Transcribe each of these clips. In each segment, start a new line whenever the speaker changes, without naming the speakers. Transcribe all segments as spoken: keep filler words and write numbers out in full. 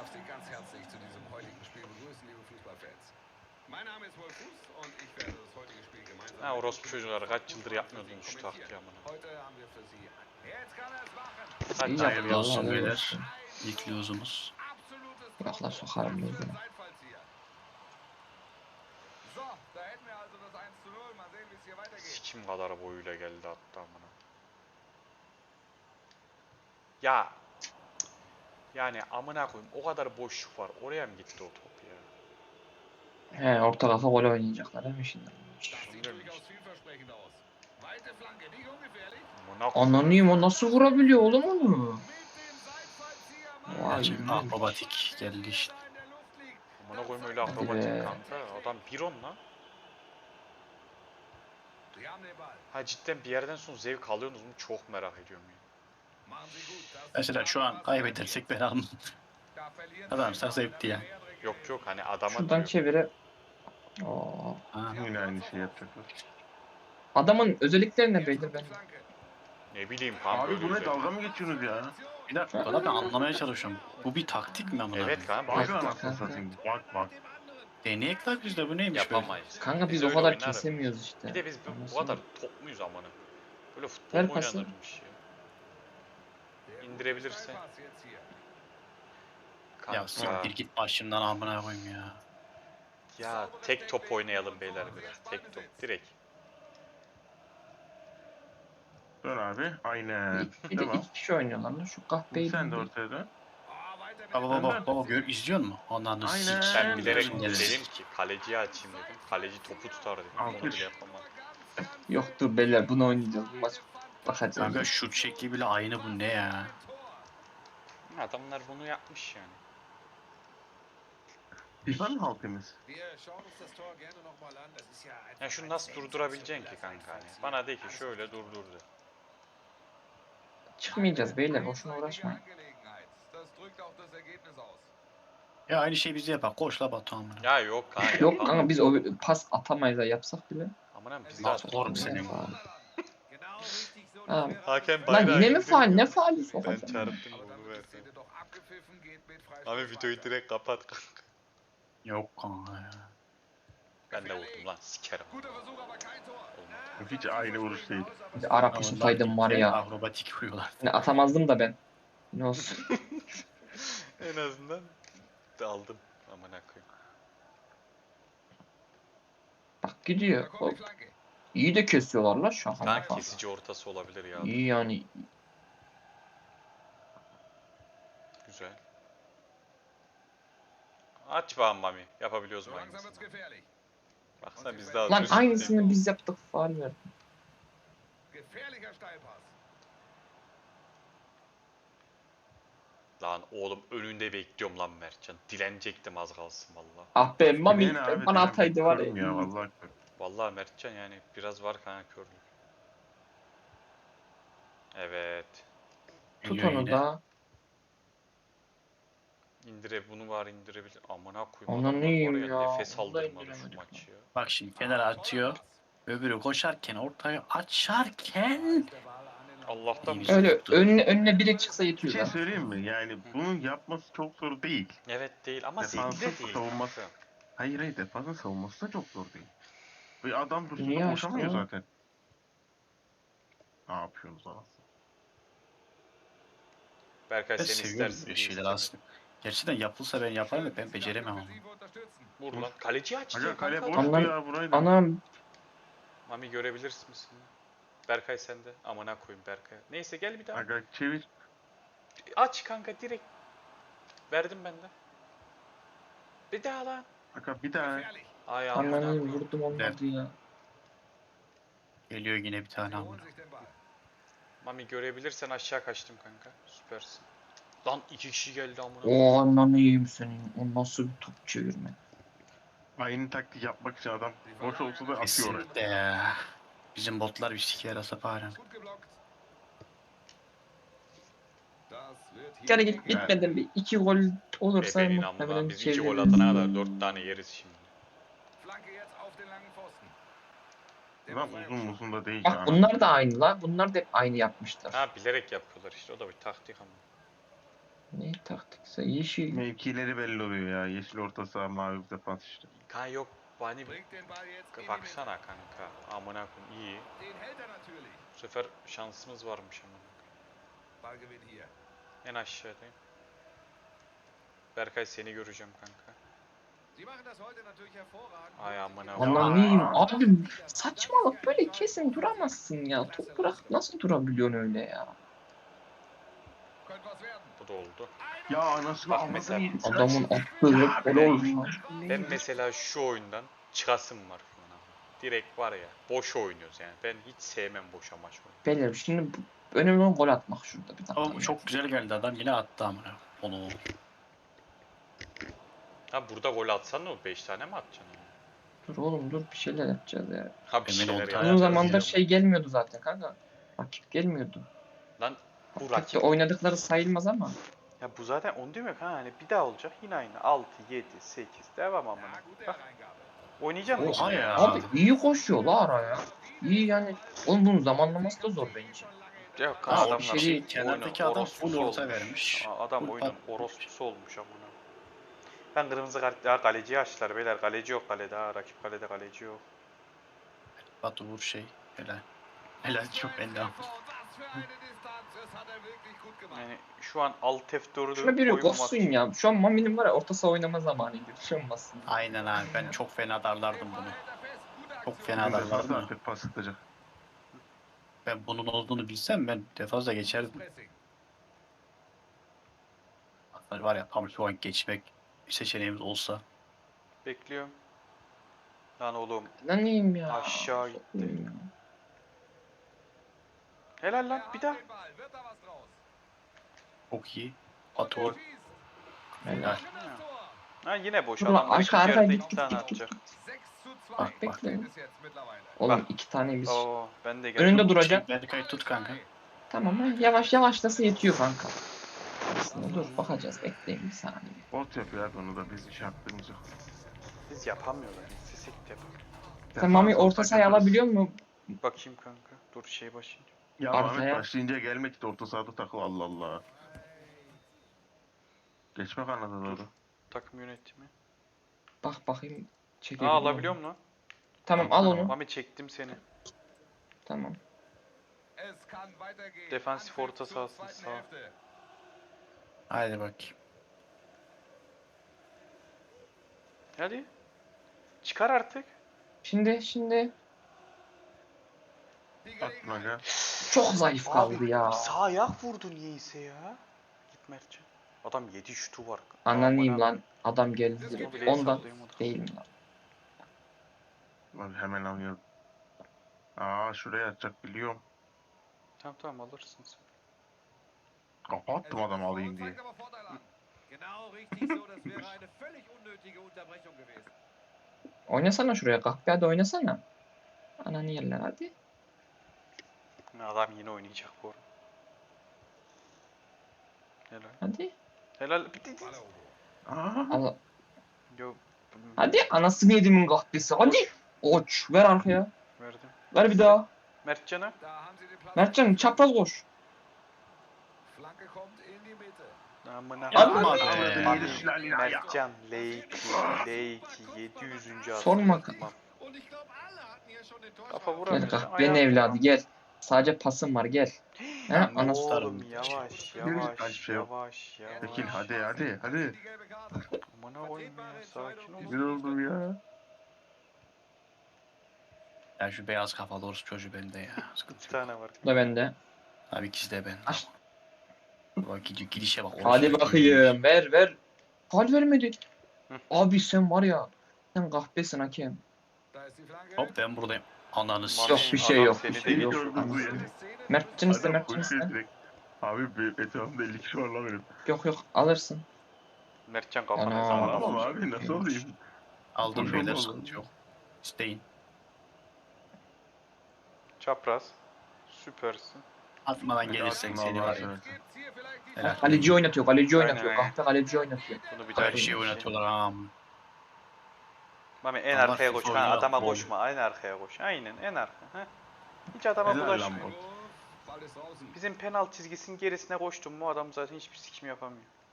darf Sie ganz herzlich zu diesem heutigen Spiel begrüßen, liebe Fußballfans. Mein Name ist Wolf Fuß und ich werde das heutige Spiel gemeinsam
Ha
mit
orospu çocuklar kaç yıldır yapmıyordun şu
kommentieren.
taktiği amına.
Heute haben wir für Sie Jetzt kann er es machen.
Hadi
İyi
lan.
yaptı
Hayırlı olsun
Allah
beyler.
olsun.
İlk lozumuz.
Absolutes
Yakla
Traumtor.
sokarım
Was für ein
gözüne.
Seitfallzieher. So, da hätten wir also das eins zu null. Mal sehen, wie es hier weitergeht.
Sikim kadar boyuyla geldi hatta amına. Ya yani amına koyayım o kadar boşluk var. Oraya mı gitti o top ya?
He orta kafa gol oynayacaklar değil mi şimdi?
Das sieht durchaus vielversprechend aus. Weite Flanke, nicht ungefährlich.
Amına koyayım.
Ananıyım o nasıl vurabiliyor oğlum onu?
Mit dem Seitfallzieher
Vay
Gerçek
be.
akrobatik geldi işte.
in der Luft liegt.
Amına koyayım öyle
Hadi
akrobatik
be.
kanka. Adam bir on lan.
Sie haben den Ball.
Ha cidden bir yerden sonra zevk alıyorsunuz mu? Çok merak ediyorum ya.
Machen Sie gut. Das
Mesela şu an kaybedersek ben almam.
Da verlieren
Adam
Sie
sen
den
zevkti ya.
Ball, dann
Yok yok hani adama
Şuradan
diyor.
çevire. Oo.
Ha.
Yine aynı şey yapacaklar.
Adamın özellikleri ne
Jetzt
beyler
kommt die
ben?
Flanke.
Ne bileyim kanka.
Abi
öyle
bu ne
bir-
dalga mı geçiyorsunuz ya?
Bir dakika da ben anlamaya çalışıyorum. Bu bir taktik mi amına?
Evet kanka.
Bak
Bak,
anasını
kanka.
satayım. Bak bak.
Deneyek lan biz de bu neymiş böyle?
Yapamayız.
Kanka biz
öyle
o kadar
oynarız.
kesemiyoruz işte.
Bir de biz bu, bu
Anlasana.
kadar top muyuz amına? Böyle futbol
Ver
mu
pası.
oynanırmış ya?
Der gute
İndirebilirse.
Steilpass jetzt hier.
Kanka.
Ya siktir git başımdan amına koyayım ya.
Ya tek top oynayalım beyler biraz. Tek top direkt.
Dön abi. Aynen.
Bir, bir de
Devam.
iki kişi oynuyorlar lan şu kahpeyi.
Sen de ortaya dön.
Ah, weiter mit
Baba
dem
baba
Ball.
baba gör izliyor musun? Ondan da
Aynen.
sik.
Ben bilerek
Gözüm
gelir.
dedim ki kaleciyi açayım dedim. Kaleci topu tutar dedim. Onu
Alkış.
bile yapamam.
Yok dur beyler bunu oynayacağız. Bu maç bakacağız.
Kanka şut şekli bile aynı bu ne ya?
Adamlar bunu yapmış yani.
FIFA mı halkımız?
Wir schauen uns das Tor gerne noch mal an. Das ist ja einfach
Ya şunu
ein
nasıl durdurabileceksin ki kanka hani? Bana de ki şöyle durdur de.
Çıkmayacağız beyler boşuna uğraşmayın.
Angelegenheit. Das drückt auch das Ergebnis aus.
Ya aynı şey bize yapar. Koş la Batu amına.
Ya yok kanka
Yok
yapamam.
kanka biz o pas atamayız ha yapsak bile.
Amına biz
Lan
daha
oğlum senin.
Genau richtig so.
Ah.
Hakem
Lan
bayrağı
yine mi
indirdi.
faal? Ne faali
Ben
sokacağım?
çarptım
Aber dann
bunu
wird die
verdim.
Szene doch abgepfiffen, geht mit Freistoß
Abi videoyu
weiter.
direkt kapat kanka.
Yok kanka ya.
Ben de vurdum lan sikerim.
Guter Versuch, aber kein Tor.
Olmadı.
Hiç aynı vuruş değil.
Bir de Arap tutaydım var ya.
Akrobatik vuruyorlar.
Ne atamazdım da ben. Ne olsun.
En azından aldım. Amına koyayım.
Bak
Da
gidiyor.
kommt
Hop.
die Flanke.
İyi de kesiyorlar la şaka
Kan
maka.
kesici ortası olabilir ya.
İyi yani.
Güzel. Aç bakalım Mami. Yapabiliyoruz
So
mu
langsam wird's
aynısını?
gefährlich.
Baksana biz daha
Lan
çocuk
aynısını
değil.
biz yaptık faal verdik.
Gefährlicher Steilpass.
Lan oğlum önünde bekliyorum lan Mertcan. Dilenecektim az kalsın valla.
Ah be Mami
Yine abi,
bana
ben
ataydı var
körüm
ya.
ya vallahi. körüm.
Vallahi Mertcan yani biraz var kanka körlük. Evet.
Tut
Geliyor
onu
yine.
da.
İndire bunu var indirebilir. Amına koyayım.
Onu
adamlar
neyim
var
ya,
Nefes
vallahi
aldırmadı şu
indiremedik
maçı ya.
Bak şimdi kenara atıyor. Öbürü koşarken ortaya açarken
Allah'tan
İyi.
bir-
Öyle önüne, önüne biri çıksa
Bir
yetiyor
şey
lan.
söyleyeyim mi? Yani bunun yapması çok zor değil.
Evet değil ama
Defansif
zevkli de değil.
savunması.
kanka.
Hayır hayır defansın savunması da çok zor değil. Bir adam dursun
Niye
da
açtı
koşamıyor
o?
zaten. Ne yapıyorsunuz anasını?
Berkay
ben
sen
seviyorum
istersin.
böyle
diye
şeyler
istemedim.
aslında. Gerçekten yapılsa ben yaparım da ben beceremem ama.
Vur lan. Kaleci açtı.
Aga kale
kanka.
boştu
Anlam-
ya burayı da.
Anam
Mami görebilirsin misin? Berkay sende. Amına koyayım Berkay. Neyse gel bir daha.
Aga çevir.
Aç kanka direkt. Verdim ben de. Bir daha lan.
Aga bir daha.
Gefährlich.
Ay amına
ananı
koyayım.
vurdum olmadı ya.
Geliyor yine bir tane
Sie holen
amına.
sich den Ball.
Mami görebilirsen aşağı kaçtım kanka. Süpersin. Lan iki kişi geldi amına.
O ananı yiyeyim senin. O nasıl bir top çevirme.
Aynı taktik yapmak için adam boş olsa da atıyor oraya.
Kesinlikle ya. Bizim botlar bir siker asap halen.
Gut geblockt. Das wird hier
Gene
eng.
git bitmeden bir iki gol olursa
Bebeğin amına.
muhtemelen
Biz iki gol
çeviririz.
atana kadar dört tane yeriz şimdi.
Flanke jetzt auf den langen Pfosten. Der
Lan
Befreiungsschlag.
uzun uzun da değil.
Bak
yani.
bunlar da aynı la. Bunlar da hep aynı yapmışlar.
Ha bilerek yapıyorlar işte. O da bir taktik ama.
Ne taktikse yeşil.
Mevkileri belli oluyor ya. Yeşil orta saha, mavi defans işte.
Kan yok bani
Bringt den Ball jetzt in die Mitte.
baksana kanka. Amına koyayım iyi.
Den hält er natürlich.
Bu sefer şansımız varmış amına.
Ballgewinn hier.
En aşağıdayım. Berkay seni göreceğim kanka.
Sie machen das heute natürlich hervorragend.
Ay amına
Aman
koyayım.
neyim abi, saçmalık, böyle kesin duramazsın ya. Top bırak, nasıl durabiliyorsun öyle ya?
Könnte was werden.
Bu da oldu.
Ya anasını
Bak
avradını
mesela-
yedi.
Adamın attığı gol olmuş.
Ben mesela şu oyundan çıkasım var şu an. Direkt var ya boş oynuyoruz yani. Ben hiç sevmem boş amaç oyunu.
Beyler şimdi bu- önemli olan gol atmak şurada bir dakika.
Ama bu çok güzel geldi adam yine attı amına. Onu
Ha burada gol atsan ne olur? beş tane mi atacaksın? Yani?
Dur oğlum dur, bir şeyler yapacağız ya.
Ha bir
Emin
şeyler
ol,
yap.
tamam.
Uzun
yapacağız
zamandır
ya.
şey gelmiyordu zaten kanka. Rakip gelmiyordu.
Lan bu
Pek de
rakip.
oynadıkları sayılmaz ama.
Ya bu zaten onu diyorum ya hani bir daha olacak yine aynı. altı, yedi, sekiz devam amına.
Ja, gute
Bak
Hereingabe.
oynayacağım mı?
Oha ya.
Abi iyi koşuyor la araya. İyi yani. Oğlum bunun zamanlaması da zor bence.
Yok
Ha,
adamlar
bir şey değil.
Kenardaki
oyunun
adam
orospusu
full orta
olmuş.
vermiş.
Aa, Adam
Full
oyunun
pat-
orospusu olmuş amına. Ben kırmızı kart ya kaleciyi açtılar beyler. Kaleci yok kalede ha. Rakip kalede kaleci yok.
Batu vur şey. Helal. Helal çok belli ama.
Was für eine Distanz. Das hat er wirklich gut gemacht.
Yani şu an alt F dördü
Şuna biri koşsun ya. Şu an Mami'nin var ya, orta saha oynama zamanı gibi. Bir şey olmasın.
Aynen abi ben çok fena darlardım
Den
bunu.
Ball hält er fest. Gute
Çok
Aktion.
fena
Defans
darlardım da.
artık pas atacak.
Ben bunun olduğunu bilsem ben defansa geçerdim.
Pressing.
Hatta var ya tam şu an geçmek seçeneğimiz olsa.
Bekliyorum. Lan oğlum.
Lan neyim ya?
Aşağı gitti.
Sokmayayım ya.
Helal lan
Er
bir
hat
daha.
den Ball. Wird da was draus?
Çok iyi.
Und
Batu
er
vur.
schießt.
Helal.
Schönes Tor.
Ha yine boş
Dur
adam.
lan, arka arka
yerde
git
iki
git
tane
git git.
atacak.
sechs zu zwei
Bak, bekle.
steht es jetzt mittlerweile.
Oğlum
Bak.
iki tane biz.
Oo ben de geldim.
Önünde duracak.
Berkay tut kanka.
Tamam ha, yavaş yavaşlasa yetiyor kanka. Aslında dur bakacağız, bekleyin bir saniye.
Bot yapıyor abi onu da, biz iş yaptığımız yok.
Biz yapamıyorlar. Sesik yapalım.
Sen Mami
Defans
orta
olsak
sahayı
yaparız.
alabiliyor mu?
Bakayım kanka. Dur şey başlayınca.
Ya
Arkaya.
Ahmet başlayınca gelmek de orta sahada takıl, Allah Allah. Geçme kanada doğru.
Takım yönetimi.
Bak bakayım
Aa
çekebiliyor
alabiliyor
mu?
mu?
Tamam al onu.
Mami çektim seni.
Tamam.
Es kann weitergehen.
Defansif
Anpfiff
orta
zur
sahası
zweiten
sağ.
Hälfte.
Haydi bakayım.
Hadi. Çıkar artık.
Şimdi şimdi
Die
Atma
Gelegenheit.
gel.
çok zayıf kaldı ya.
Sağ ayak vurdu niyeyse ya. Git Mertcan. Adam yedi şutu var.
Ananıyım
Amına-
lan. Adam geldi
Onu
direkt.
bile
Ondan
hesaplayamadık.
değil mi lan?
Abi hemen alıyorum. Aa şuraya atacak biliyorum.
Tamam tamam alırsın sen.
Kapattım adam alayım diye.
Zeigt aber Vorteil an. Genau richtig so. Das wäre eine völlig unnötige Unterbrechung gewesen.
Oynasana şuraya, kahpe hadi oynasana. Ananı yerler hadi.
Adam yine oynayacak bu arada. Helal.
Hadi.
Helal. Bitti.
Ball erobert.
Aa.
Al.
Yo.
Hadi anasını yedimin kahpesi. Hadi. Oç ver arkaya.
Verdim.
Ver bir daha.
Mertcan'a.
Da haben sie den Platz.
Mertcan çapraz koş.
Flanke kommt in die Mitte.
Amına
Yapma
koyayım.
be.
Mami,
Mami,
Mertcan, Leiki, Leiki, yedi yüzüncü
Sorma.
atıyor. Tamam.
Und ich glaube, alle hatten hier schon den
Kafa
Torschlag.
vuramıyor.
Gel kahpenin evladı gel. Sadece pasım var gel. He
Lan
anası.
oğlum yavaş yavaş
Hiçbir şey yok.
yavaş yavaş.
Tekil hadi hadi hadi.
Die gelbe Karte.
Amına koyayım ya sakin ol.
Bir oldum ya.
Ya şu beyaz kafalı orospu çocuğu bende ya. Sıkıntı
İki
yok.
tane var.
Bu da bende.
Abi ikisi de bende.
Aç.
Bak gidiyor gidişe bak.
Hadi
orospu
bakayım ver ver. Faul vermedi.
Hı.
Abi sen var ya. Sen kahpesin hakem.
Da ist die Flanke.
çocuğu. Hop ben buradayım. Ananı
Mami,
Yok
s***.
bir şey
adam
yok.
seni
Bir
de
şey yok.
geçiyor.
Bu ya.
Mertcan iste
Adam
Mertcan
koşuyor
iste.
direkt. Abi bir etrafımda elli kişi var lan benim.
Yok yok alırsın.
Mertcan kafana
Ana.
zaman.
Alamam abi nasıl alayım?
Aldım
Boş
beyler
olmadı.
sıkıntı yok. İsteyin.
Çapraz. Süpersin.
Atmadan gelirsen
atma
seni
Allah'a
var ya.
seversen.
Gibt's hier vielleicht die
Helal.
Kaleci oynatıyor, kaleci
Aynen,
oynatıyor.
aynen.
Kahpe kaleci oynatıyor.
Bunu bir daha
Her şeyi
yapayım.
oynatıyorlar ağam.
Mami en
Allah
arkaya
FIFA
koş. Ha,
oyunu
adama
yapma
koşma. En arkaya koş. Aynen en arka. Ha. Hiç adama
Helal
bulaşma.
lan bu.
Ball ist draußen.
Bizim penaltı çizgisinin gerisine koştum mu adam zaten hiçbir sikim yapamıyor.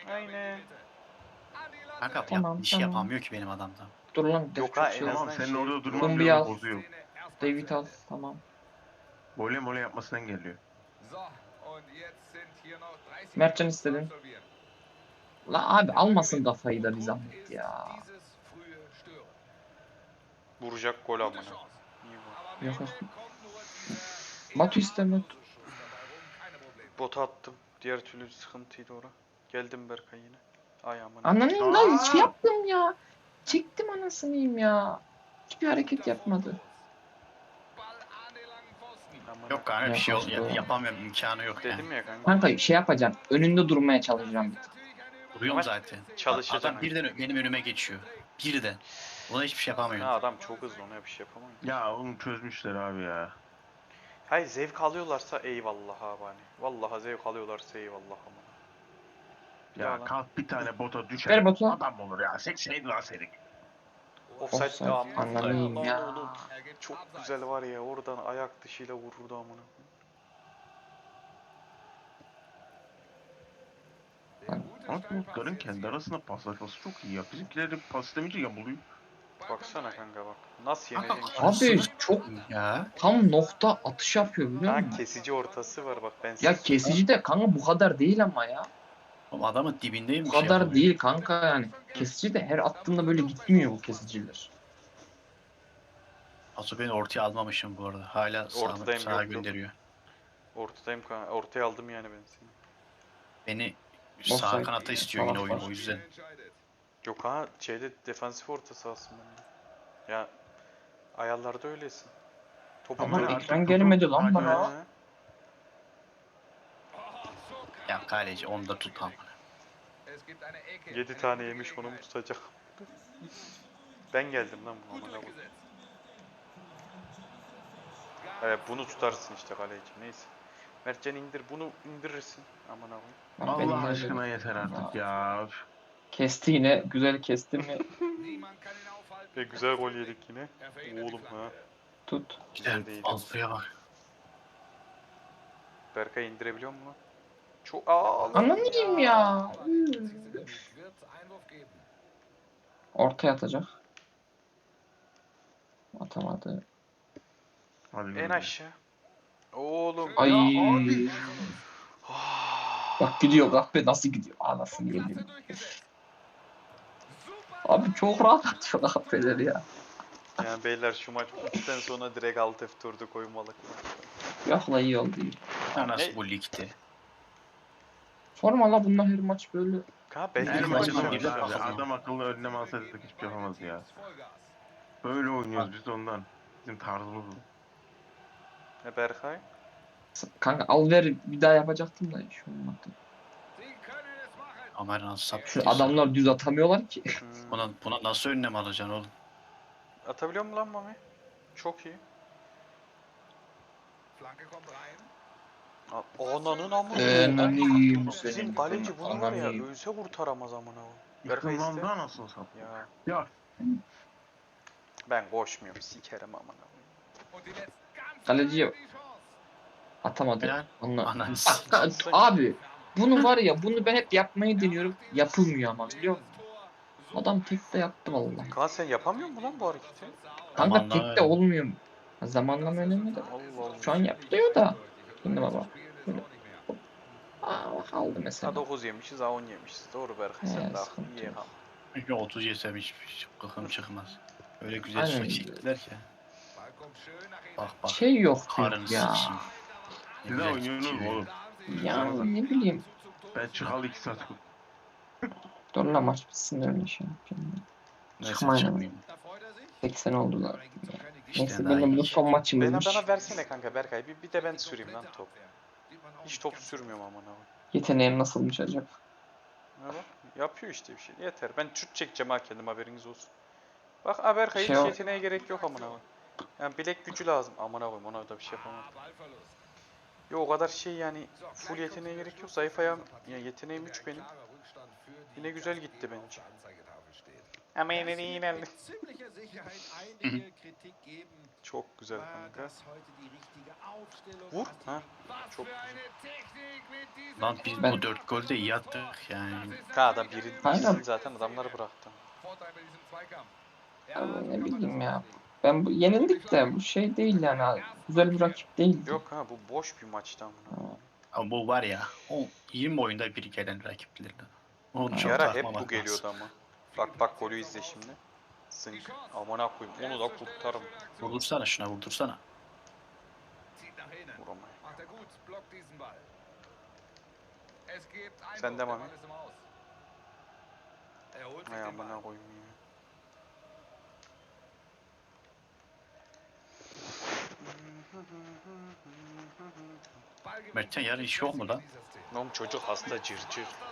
Aynen.
Kanka yap,
Tamam,
bir şey
tamam.
yapamıyor ki benim adamda.
Dur lan.
Yok
çok
ha,
şey
en
oldu.
Tamam
azından
senin
şey-
orada durman
Kumbi
bile
al.
bozuyor.
David al. Tamam.
Voley mole yapmasını engelliyor.
Mertcan istedin. La abi almasın kafayı da bir zahmet ya.
Vuracak gol amına. İyi bu.
Yok yok. Batu isteme.
Bota attım. Diğer türlü sıkıntıydı ora. Geldim Berkay yine. Ay amına.
Ananıyım da
Aa!
şey yaptım ya. Çektim anasınıyım ya. Hiçbir hareket yapmadı.
Amına.
Yok kanka bir şey ol,
Yapamaz,
ya- yapamıyorum imkanı yok yani.
Dedim ya kanka.
Kanka şey yapacağım. Önünde durmaya çalışacağım.
Duruyorum
Ama
zaten.
çalışacaksın.
Adam birden ö- benim önüme geçiyor. Birden. Ona hiçbir şey
Ha,
yapamıyorum.
adam çok hızlı, ona bir şey yapamam.
Ya onu çözmüşler abi ya.
Hayır, zevk alıyorlarsa eyvallah abi hani. Vallahi zevk alıyorlarsa eyvallah amına.
Ya
Ya lan.
kalk bir tane bota düşer.
Ver Batu.
Adam olur ya. Seksen lan senin.
Offside
Offside,
de amma.
anlamayayım
Lan
ya.
oğlum, çok güzel var ya, oradan ayak dışıyla vururdu amına.
Ama botların kendi arasında paslaşması çok iyi ya. Bizimkilerin pas istemeyince yamuluyor.
Baksana kanka bak. Nasıl
Kanka,
yeneceksin?
Abi
Sus.
çok
Ya.
tam nokta atış yapıyor biliyor
Ha,
musun?
kesici ortası var bak, ben
Ya
size-
kesici de kanka bu kadar değil ama ya.
Oğlum adamın dibindeyim.
Bu
bir şey
kadar
yapamıyorum.
değil kanka yani. Kesici de her attığında böyle gitmiyor bu kesiciler.
Asu beni ortaya almamışım bu arada. Hala
Ortadayım,
sağa, sağa
yok, yok.
gönderiyor.
Ortadayım kanka. Ortaya aldım yani ben seni.
Beni
Offside.
sağ kanata istiyor yine
Salak
oyun
var.
o yüzden.
Yok ha, şeyde defansif ortası aslında. Ya ayarlarda öylesin. Topu
Ama
böyle-
ekran gelmedi lan bana.
Ha.
Ya kaleci onu da tut ama.
Yedi tane yemiş, onu mu tutacak? Ben geldim lan bu amına koyayım. Evet, bunu tutarsın işte kaleci. Neyse. Mertcan indir, bunu indirirsin. Aman abi.
Lan benim
Allah
de-
aşkına yeter artık ya. Üf.
Kesti yine. Güzel kesti mi?
Ve güzel gol yedik yine. Oğlum ha.
Tut.
Güzel
Gidelim.
değil.
Altıya bak.
Berkay indirebiliyor mu lan? Çok aa.
Anlamayayım ya. Ortaya atacak. Atamadı.
Hadi
En
bakalım.
aşağı. Oğlum.
Ay.
Ya abi.
Bak gidiyor kahve nasıl gidiyor? Anasını yedim. Abi çok rahat atıyor kahveler ya.
Yani beyler, şu maç üçten sonra direkt alt F dört'e koymalık.
Yok la iyi oldu. iyi.
Ya nasıl
Ne?
bu ligde?
Sorma la bunlar her maç böyle.
Ha ben
Her
İlk
maçı
maçından
da
bir de
abi.
bakalım.
Adam akıllı önlem alsaydık hiçbir şey yapamaz ya. Böyle oynuyoruz biz ondan. Bizim tarzımız bu.
Ne Berkay?
Kanka al ver bir daha yapacaktım da hiç olmadı.
Aman nasıl sap.
Şu adamlar düz atamıyorlar ki.
Hmm.
Buna, buna nasıl önlem alacaksın oğlum?
Atabiliyor mu lan Mami? Çok iyi. A- Ananın amına.
Eee naniyim
Bizim
senin.
kaleci bunu var ya,
Ananıyım.
ölse kurtaramaz amına o. Berkay iste.
Yıkılmamda nasıl sap?
Ya
Ya
ben koşmuyorum, sikerim amına.
Kaleci atamadı.
Helal.
Anla.
Ananı
Bak, ka- abi bunu var ya bunu ben hep yapmayı deniyorum. Yapılmıyor ama biliyor musun? Adam tek de yaptı vallahi.
Kaan sen yapamıyor musun lan bu hareketi?
Kanka
Zamanlama
tek de
önemli.
olmuyor. Zamanlama önemli de.
Allah Allah.
Şu an yapılıyor da. Şimdi baba. Böyle. Aa bak aldı
Ha
mesela.
dokuz yemişiz, ha on yemişiz. Doğru Berkay, sen
He,
de
sıkıntı
haklısın. İyi
yok.
ha.
Çünkü otuz yesem hiç hiç kıkım çıkmaz. Öyle güzel
Aynen.
su çektiler ki. Bak bak.
Şey yok
Karını
diyor ya.
sikeyim. Ne
siz de
güzel
oynuyorsunuz mu
sikiyor.
oğlum?
Ya ne bileyim.
Ben çıkalı iki saat.
Dur la maç bitsin öyle şey yapayım.
Neyse
Çıkmayın.
çıkmayayım.
seksen oldular.
İşte
Neyse
daha
benim
iyi.
bu son
Bana,
maçımızmış.
bana versene kanka Berkay. Bir, bir de ben süreyim lan top. Hiç top sürmüyorum amına.
Yeteneğim nasılmış acaba?
Ha bak, yapıyor işte bir şey. Yeter. Ben şut çekeceğim ha, kendim, haberiniz olsun. Bak ha Berkay,
Şey
hiç
o-
yeteneğe gerek yok amına koyayım. Yani bilek gücü lazım. Amına koyayım, ona da bir şey yapamam. Yok o kadar şey yani, full yeteneğe gerek yok. Zayıf ayağım, ya yeteneğim üç benim. Yine güzel gitti bence. Ama
Es
yine de
wird
ilerle.
mit ziemlicher Sicherheit einige Kritik geben.
Çok güzel
War
kanka.
das heute die richtige Aufstellung?
Vur.
Hast du
Ha.
die- Was
Çok
für
güzel.
eine Technik mit diesem
Lan biz
Ben-
bu dört golde iyi attık yani.
Ha adam birin
Aynen.
ikisini zaten adamları bıraktı.
Vorteil bei diesem Zweikampf. Ja,
Abi
so
ne
kann man
bileyim
das
ya.
auslegen.
Ben bu yenildik de bu şey değil yani. Güzel bir rakip değildi.
Yok ha bu boş bir maçtı amına.
Ha.
Ama bu var ya, o yirmi oyunda bir gelen rakiplerden. Onu
Bir
çok
ara hep
takmamak
bu geliyordu
lazım.
ama. Bak bak golü izle şimdi. Sınk. Amına koyayım onu da kurtarım.
Vurdursana şuna, vurdursana.
Zieht nach innen.
Vuramayın.
Macht er gut, blockt diesen Ball. Es gibt Einwurf,
Sen de
der
Mami.
Ball ist im Aus. Er holt sich
Ay
den Ball.
amına koyayım ya.
Ballgewinn
Mertcan yarın
des
işi yok mu lan?
Pressing in dieser Szene.
Oğlum çocuk hasta cırcır.